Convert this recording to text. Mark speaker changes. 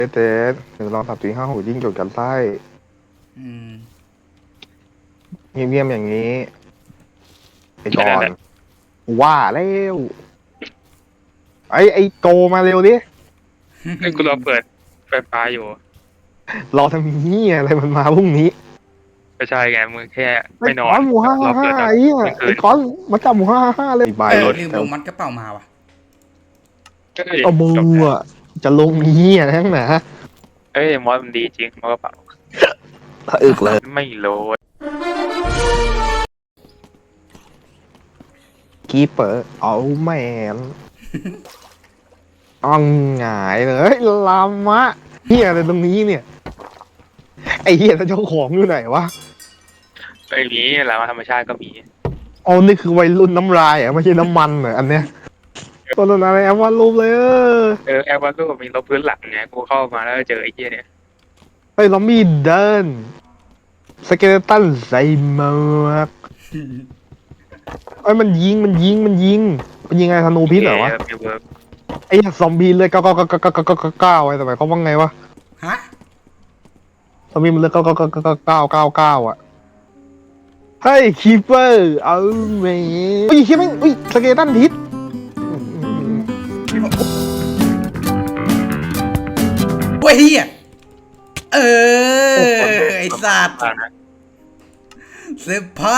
Speaker 1: เต้หนึ่งลอง3 4 5 6ยิ่งจดกันไส้
Speaker 2: อืม
Speaker 1: เงียบๆอย่างนี้ไอ้ก่อน
Speaker 3: แค่นั้นแหละ
Speaker 1: ว่าแล้วไอ้โกมาเร็วดิ
Speaker 3: ไอ้กูรอเปิดไฟฟ้าอยู่
Speaker 1: รอทำนี้อะไรมันมาพรุ่งนี้
Speaker 3: ไม่ใช่ไงมึงแค่
Speaker 1: ไอ้
Speaker 3: ไม่นอ
Speaker 1: ก้อน นหมูห้าร
Speaker 3: อ
Speaker 1: ห้า
Speaker 3: เปิดตอน
Speaker 1: ไอ้เหี้ย
Speaker 3: กลางคื
Speaker 1: ไอ้
Speaker 3: น
Speaker 1: ก้อนมาจับหมู555เลยใบรถ
Speaker 2: ลืม
Speaker 1: แต่
Speaker 2: ลงมัดกระเป๋ามาว่ะ
Speaker 3: ก็เลย
Speaker 1: เอามือ
Speaker 3: จบแล้ว
Speaker 1: อะจะลงนี้อ่ะทั้งหนา
Speaker 3: เอ้ยมอสมันดีจริงมอสกระเป๋า
Speaker 1: ถ้าอึกเลย
Speaker 3: ไม่โหลด
Speaker 1: กีเปอร์เอาแมนอ่องหงายเลยลามะเฮียอะไรตรงนี้เนี่ยไอ้เฮียแล้วเจ้าของอยู่ไหนวะ
Speaker 3: ไอ้มีแล้วธรรมชาติก็มี
Speaker 1: อ๋อนี่คือวัยรุ่นน้ำลายอ่ะไม่ใช่น้ำมันเหรออันเนี้ยตัวนั้นอะไรแอมวาดรูปเลย
Speaker 3: แอร์วันก็มีลบพื้นหลังไงกูเข้ามาแล้วเจอไอ้เหี้ยเนี่ย
Speaker 1: เฮ้ยลอมบี้เดินสเกเลตันใส่หมวกเอ้ยมันยิงอะไรธนูพิษเหรอวะ
Speaker 3: มีเวิร์ก
Speaker 1: ไอ้ซอมบี้เลย99999ไว้ทำไมเขาว่าไงวะ
Speaker 2: ฮะ
Speaker 1: ซอมบี้มันเลย99999อ่ะเฮ้ยคีเปอร์เอาแม่อุ้ยเฮียแม่งอุ้ยสเกเลตันพิษ
Speaker 2: เว้ยเฮียเออ ไอสัตว์
Speaker 3: อ่านะ
Speaker 2: เซอร์ไพร